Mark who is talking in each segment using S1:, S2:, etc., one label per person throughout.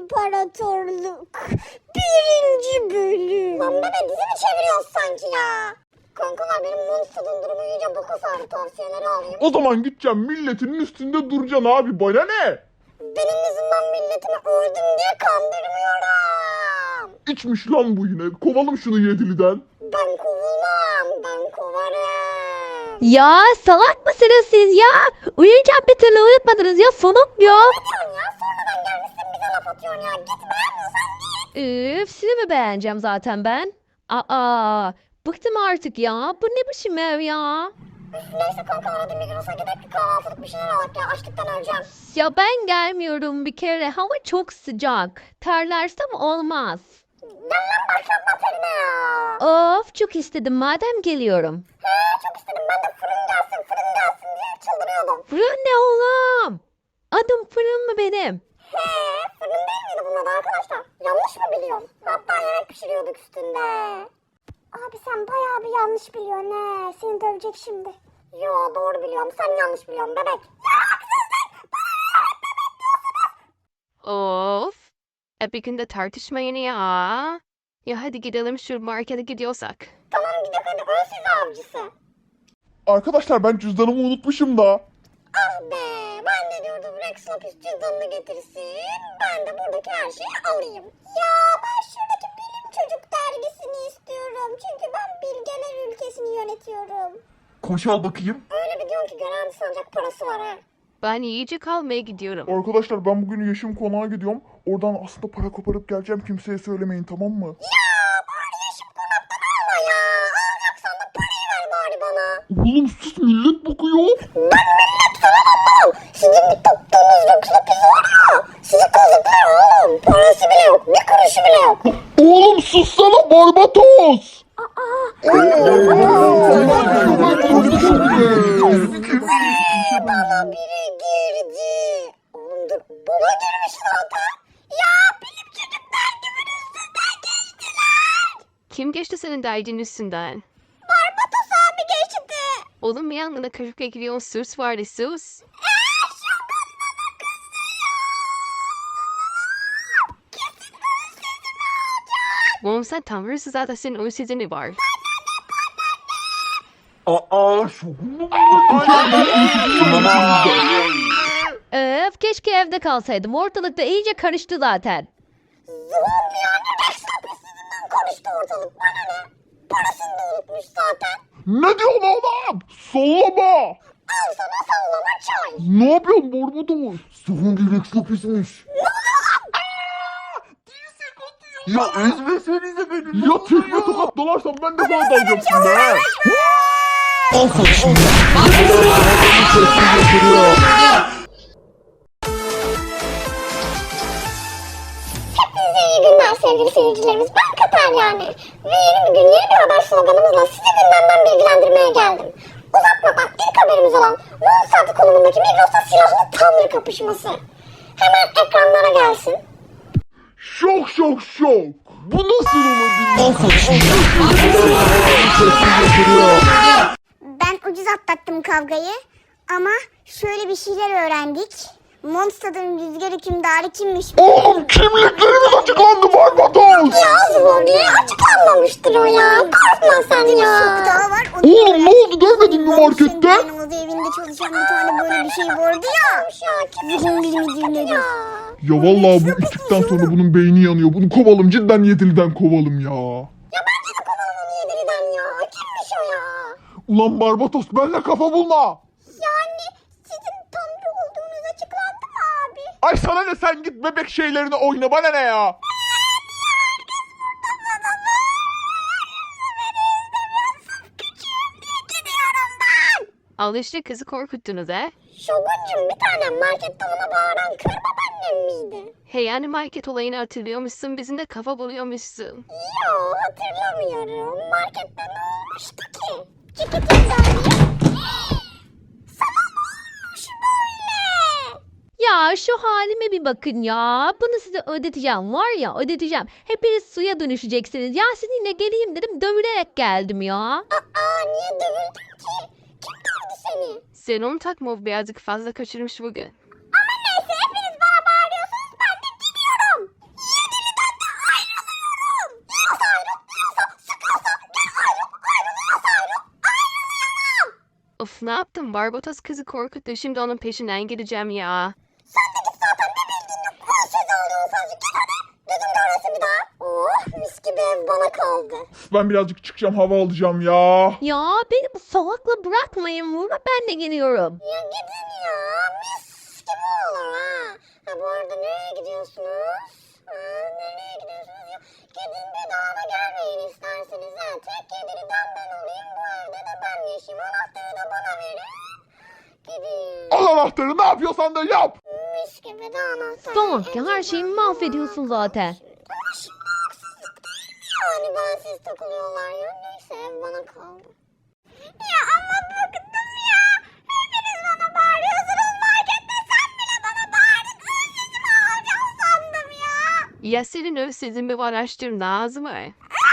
S1: İmparatorluk 1. bölüm. Lan bebe dizi mi çeviriyoruz sanki ya? Kankalar benim Monster'ın durumu iyice boka sardı, tavsiyeleri alayım.
S2: O zaman gideceğim milletin üstünde duracaksın abi, bana ne?
S1: Benim yüzümden milletimi öldüm diye kandırmıyorum.
S2: İçmiş lan bu yine, kovalım şunu Yedili'den.
S1: Ben kovulmam, ben kovarım.
S3: Ya salak mısınız siz ya? Uyuyacağım bir türlü uyutmadınız ya sonum ya.
S1: Ne diyorsun ya? Sonradan gelmişsin bize laf atıyorsun ya. Git beğenmiyorsan git.
S3: Üf sizi mi beğeneceğim zaten ben? Aa bıktım artık ya. Bu ne biçim ev ya?
S1: Neyse kanka hadi Migros'a gidelim bir kahvaltılık bir şeyler alak ya. Açlıktan öleceğim.
S3: Ya ben gelmiyorum bir kere. Hava çok sıcak. Terlersem olmaz.
S1: Gel lan başlatma terine ya.
S3: Of çok istedim madem geliyorum.
S1: He çok istedim ben de fırın gelsin diye çıldırıyordum.
S3: Fırın ne oğlum? Adım fırın mı benim?
S1: He fırın değil miydi bunun adı arkadaşlar? Yanlış mı biliyorum? Hatta yemek pişiriyorduk üstünde. Abi sen bayağı bir yanlış biliyorsun he. Seni dövecek şimdi. Yo doğru biliyorum sen yanlış biliyorsun bebek. Ya haksızlık.
S4: Of. Bir günde tartışmayın ya. Ya hadi gidelim şu markete gidiyorsak.
S1: Tamam gidelim hadi ön size avcısı.
S2: Arkadaşlar ben cüzdanımı unutmuşum da.
S1: Ah be ben de diyordum Rex Lapis cüzdanını getirsin. Ben de buradaki her şeyi alayım. Ya ben şuradaki bilim çocuk dergisini istiyorum. Çünkü ben bilgeler ülkesini yönetiyorum.
S2: Koş al bakayım.
S1: Öyle bir diyorum ki garanti sancak parası var ha.
S4: Ben yiyecek almaya gidiyorum.
S2: Arkadaşlar ben bugün Yeşim Konağa gidiyorum. Oradan aslında para koparıp geleceğim, kimseye söylemeyin, tamam mı?
S1: Ya bari Yeşim Konak'tan alma ya. Alacaksan da parayı ver bari bana.
S2: Oğlum sus, millet bakıyor.
S1: Ben millet falan anlamam. Sizin bir tuttuğunuz Rex Lapis var ya. Sizi kazıklar oğlum. Parası bile yok. Bir kuruşu bile yok.
S2: Oğlum sussana Barbatos.
S1: Bana biri girdi. Oğlum dur. Bana girmiş zaten. Ya bilim çocuklar gibi üstünden geçtiler.
S4: Kim geçti senin derdin üstünden?
S1: Barbatos abi geçti.
S4: Oğlum bir yanına kırık ekliyorsun sus vardı sus. Oğlum sen tanrısın zaten senin o sizin var.
S2: Aa şokumu
S3: Öf keşke evde kalsaydım. Ortalıkta iyice karıştı zaten.
S1: Zuhal yani Rex Lapis yüzünden karıştı ortalık. Bana ne? Parasını da unutmuş zaten.
S2: Ne diyorsun oğlum? Sallama.
S1: Al sana sallama çay.
S2: Ne yapıyorsun Barbatos? Son Rex Lapis'miş. Ya ezmesenize beni. Ya tekme tokat dalarsam ben de sana dalacağım şimdi ha.
S1: Hepinize iyi günler sevgili seyircilerimiz. Ben Katar yani. Ve yeni bir gün yeni bir haber sloganımızla sizi gündemden bilgilendirmeye geldim. Uzatmadan ilk haberimiz olan Mossad konumundaki Migros'ta silahlı tanrı kapışması. Hemen ekranlara gelsin.
S2: Şok şok şok. Bu nasıl olabilir?
S1: Ben ucuz atlattım kavgayı ama şöyle bir şeyler öğrendik. Monster'ın rüzgar hükümdarı kimmiş?
S2: Oğlum kimliklerimiz açıklandı Barbatos.
S1: Ya Zuborlu'ya açıklanmamıştır o ya. Korkma sen ya. Bir daha var.
S2: Oğlum ne oldu, görmedin mi markette?
S1: Yanımızda evinde çalışan bir tane böyle bir şey vardı ya. Zihin bilmediği nedir?
S2: Ya vallahi bu içtikten sonra bunun beyni yanıyor. Bunu kovalım, cidden Yedili'den kovalım ya.
S1: Ya bence de kovalım onu Yediri'den ya. Kimmiş o ya?
S2: Ulan Barbatos benimle kafa bulma.
S1: Yani sizin tanrı olduğunuz açıklandı mı abi?
S2: Ay sana ne, sen git bebek şeylerini oyna, bana ne ya?
S1: Gidiyorum ben.
S4: Al işte kızı korkuttunuz he.
S1: Şoguncum bir tane markette ona bağıran kır babaannem miydi?
S4: Hey yani market olayını hatırlıyormuşsun bizim de kafa buluyormuşsun.
S1: Yo hatırlamıyorum. Markette ne olmuştu ki? Cikitimden sana ne olmuş böyle?
S3: Ya şu halime bir bakın ya. Bunu size ödeteceğim var ya ödeteceğim. Hepiniz suya dönüşeceksiniz. Ya sizinle geleyim dedim dövülerek geldim ya.
S1: Aa niye dövüldün ki? Kim dövdü seni?
S4: Sen onu takma birazcık fazla kaçırmış bugün.
S1: Ama neyse hepiniz bana bağırıyorsunuz ben de gidiyorum.
S4: Of ne yaptım? Barbatos kızı korkuttu. Şimdi onun peşinden gideceğim ya.
S1: Sen de git zaten ne bildiğin kul sözü oluyor sadece. Git hadi. Gözüm görmesin bir daha. Oh mis gibi ev bana kaldı.
S2: Ben birazcık çıkacağım, hava alacağım ya.
S3: Ya beni bu salakla bırakmayın burada, ben de geliyorum.
S1: Ya gidin ya. Mis gibi olur ha. Ha bu arada nereye gidiyorsunuz? Ha, nereye gidiyorsunuz ya? Gidin bir daha da gelmeyin isterseniz ha. Tek yediriden ben olayım. Bu evde de ben yaşayayım. Anahtarı da bana verin. Gidin.
S2: Al anahtarı, ne yapıyorsan da yap.
S1: Mis gibi de anahtar.
S3: Salak ya, her şeyimi mahvediyorsun zaten.
S1: Ama şimdi haksızlık değil mi yani bensiz takılıyorlar ya. Neyse ev bana kaldı. Ya ama bıktım ya. Hepiniz bana bağırıyorsunuz markette. Sen bile bana bağırdın. Sesimi alacağım sandım ya.
S4: Ya senin özsizin var araştır Nazım mı?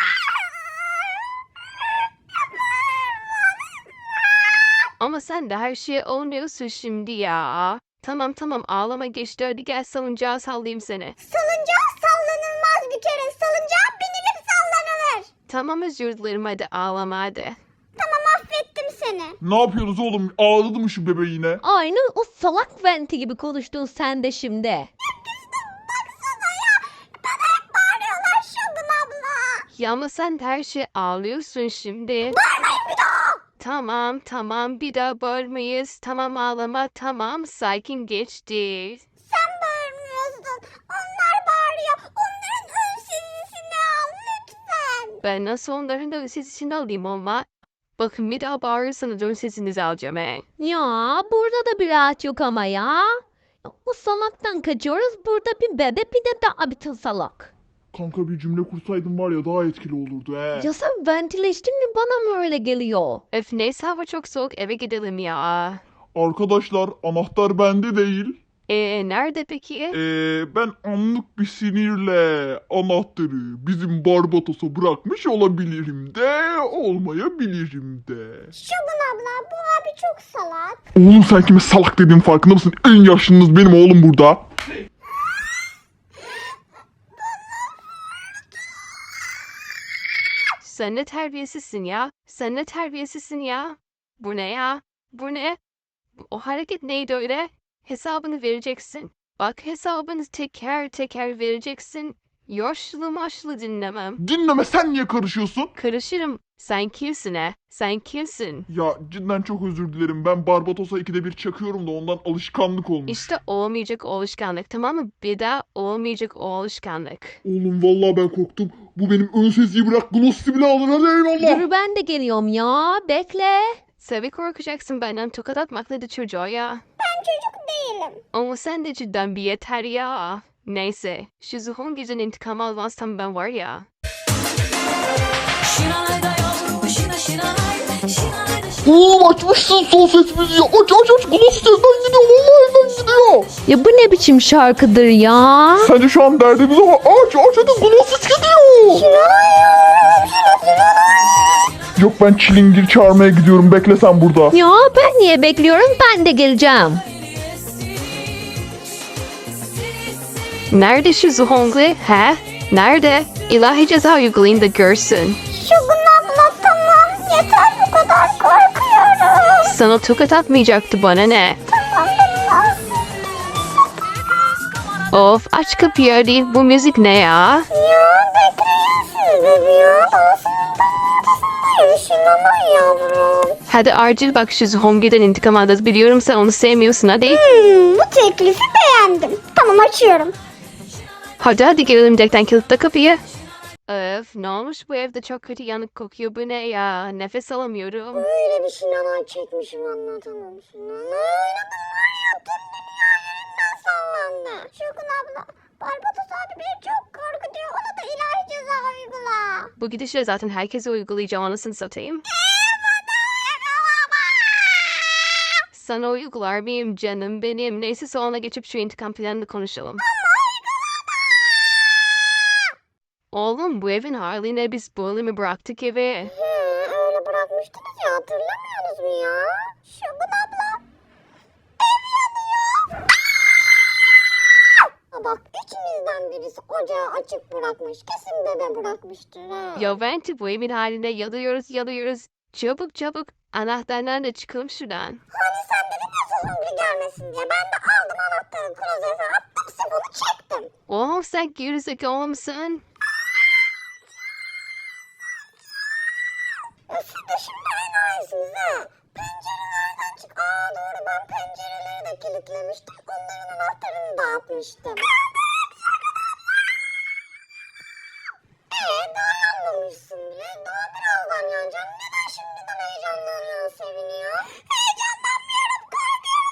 S4: Ama sen de her şeye oynuyorsun şimdi ya. Tamam tamam ağlama geçti, hadi gel salıncağa sallayayım seni.
S1: Salıncak sallanılmaz bir kere. Salıncak binilip sallanılır.
S4: Tamam özür dilerim, hadi ağlama hadi.
S1: Tamam affettim seni.
S2: Ne yapıyorsunuz oğlum? Ağladı mı şu bebe yine?
S3: Aynı o salak venti gibi konuştun sen de şimdi.
S1: Baksana ya. Bana hep bağırıyorlar Şogun abla.
S4: Ya ama sen de her şeye ağlıyorsun şimdi.
S1: Bağırmayın bir daha.
S4: Tamam tamam bir daha bağırmayız. Tamam ağlama, tamam sakin geçti.
S1: Sen bağırmıyorsun. Onlar bağırıyor. Onların ön sesini al lütfen.
S4: Ben nasıl onların da sesini alayım ama. Bakın bir daha bağırırsanız ön sesinizi alacağım he.
S3: Ya burada da bir rahat yok ama ya. O salaktan kaçıyoruz, burada bir bebe bir de daha bir salak.
S2: Kanka bir cümle kursaydım var ya daha etkili olurdu he.
S3: Ya sen ventileştin mi, bana mı öyle geliyor?
S4: Öf neyse hava çok soğuk, eve gidelim ya.
S2: Arkadaşlar anahtar bende değil.
S4: Nerede peki?
S2: Ben anlık bir sinirle anahtarı bizim Barbatos'a bırakmış olabilirim de olmayabilirim de.
S1: Şogun abla bu abi çok salak.
S2: Oğlum sen kime salak dediğin farkında mısın? En yaşlınız benim oğlum burada.
S4: Sen ne terbiyesizsin ya? Sen ne terbiyesizsin ya? Bu ne ya? Bu ne? O hareket neydi öyle? Hesabını vereceksin. Bak hesabını teker teker vereceksin. Yaşlı maşlı dinlemem.
S2: Dinleme, sen niye karışıyorsun?
S4: Karışırım. Sen kimsin he? Sen kimsin?
S2: Ya cidden çok özür dilerim. Ben Barbatos'a ikide bir çakıyorum da ondan alışkanlık olmuş.
S4: İşte olmayacak o alışkanlık, tamam mı? Bir daha olmayacak o alışkanlık.
S2: Oğlum vallahi ben korktum. Bu benim ön sesiyi bırak glossy bile alır, hadi eyvallah.
S3: Dur ben de geliyorum ya, bekle.
S4: Tabii korkacaksın benden, tokat atmakla da çocuğa ya.
S1: Ben çocuk değilim.
S4: Ama sen de cidden bir yeter ya. Neyse, şu Zuhon gecen intikam almazsam ben var ya.
S2: Oğlum açmışsın son ses müziği. Aç glossy sesten gidiyor. Vallahi evden gidiyor.
S3: Ya bu ne biçim şarkıdır ya?
S2: Sence şu an derdimiz ama aç hadi glossy gidiyor. Yok ben çilingir çağırmaya gidiyorum, bekle sen burada.
S3: Ya ben niye bekliyorum, ben de geleceğim.
S4: Nerede şu Zuhongli? He? Nerede? İlahi ceza uygulayın da görsün.
S1: Şogun abla tamam yeter bu kadar korkuyorum.
S4: Sana tokat atmayacaktı, bana ne? Of aç kapıyı hadi, bu müzik ne ya?
S1: Ya bekleyin siz bebeğim. Şunama yavrum.
S4: Hadi acil bak şu Zuhongli'den intikam alacağız, biliyorum sen onu sevmiyorsun hadi.
S1: Bu teklifi beğendim. Tamam açıyorum.
S4: Hadi gelelim dekten, kilitle kapıyı. Öf ne olmuş bu evde, çok kötü yanık kokuyor, bu ne ya? Nefes alamıyorum.
S1: Böyle bir şınalar çekmişim anlatamam. Oynadım var ya tüm dünya yerinden sallandı. Şogun abla Barbatos abi beni çok korkutuyor. Ona da ilahi ceza uygula.
S4: Bu gidişle zaten herkese uygulayacağım, anasını satayım. Sana uygular mıyım canım benim? Neyse sonra geçip şu intikam planını konuşalım. Oğlum bu evin haline biz böyle mi bıraktık evi?
S1: Öyle bırakmıştınız ya hatırlamıyorsunuz mu ya? Şogun abla. Ev yanıyor. Bak içimizden birisi ocağı açık bırakmış. Kesin bebe bırakmıştır ha.
S4: Ya Venti bu evin haline yanıyoruz. Çabuk Anahtarlarla da çıkalım şuradan.
S1: Hani sen dedin ya zombi gelmesin diye. Ben de aldım anahtarı klozete attım sifonu çektim.
S4: Oğlum sen gerizekalı mısın?
S1: Siz de şimdi enayisiniz ha. Pencerelerden çık. Aa doğru ben pencereleri de kilitlemiştim. Onların anahtarını dağıtmıştım. Daha yanmamışsın bile. Daha birazdan yanacaksın. Neden şimdiden heyecanlanıyorsun, seviniyor? Heyecanlanmıyorum, korkuyorum,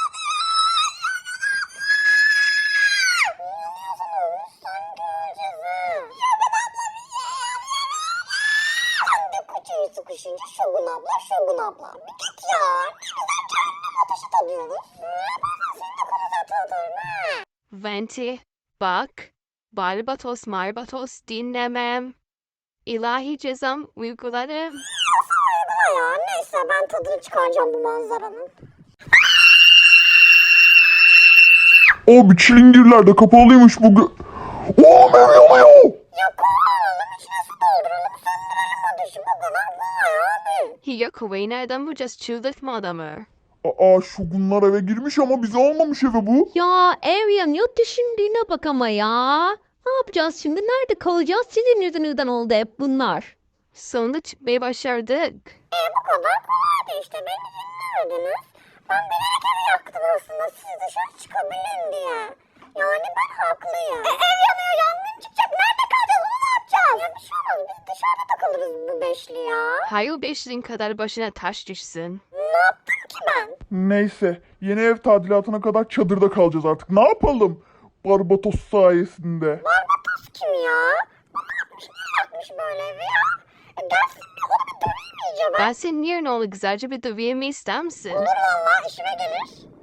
S1: yanıyorsan olmuş, sen göreceğiz ha. Şogun abla bir şey Sen de kutuyu sıkışınca Şogun abla. Bir git ya. Ne güzel cehennem ateşi tadıyoruz. Seni de klozete atarım ha.
S4: Venti, bak. Barbatos marbatos dinlemem. İlahi cezam uyguladım.
S1: Uygula ya. Neyse ben tadını çıkaracağım bu manzaranın.
S2: Abi çilingirler de kapalıymış bugün. Oo ev yanıyor.
S1: Yok oğlum içine su dolduralım söndürelim ateşi. Bu kadar kolay abi.
S4: Hiya kuvayı nereden bulacağız? Çıldırtma adamı.
S2: Aa şogunlar eve girmiş ama bizi almamış eve bu.
S3: Ya Arian ya düşündüğüne bak ama ya. Ne yapacağız şimdi? Nerede kalacağız? Sizin yüzünüzden oldu hep bunlar.
S4: Sonunda çıkmayı başardık.
S1: Bu kadar kolaydı işte beni dinlemediniz. Ben bilerek evi yaktım aslında siz dışarı çıkabilin diye. Yani ben haklıyım. Ev yanıyor yangın çıkacak nerede kalacağız onu ne yapacağız? Ya bir şey olmaz biz dışarıda takılırız bu beşli ya.
S4: Hayır beşliğin kadar başına taş düşsün.
S1: Ne yaptım ki ben?
S2: Neyse yeni ev tadilatına kadar çadırda kalacağız artık. Ne yapalım? Barbatos sayesinde.
S1: Barbatos kim ya? Bu ne yapmış niye yakmış böyle evi ya? Gelsin bir onu bir döveyim iyice ben.
S4: Ben senin yerine onu güzelce bir döveyim ister misin?
S1: Olur valla işime gelir.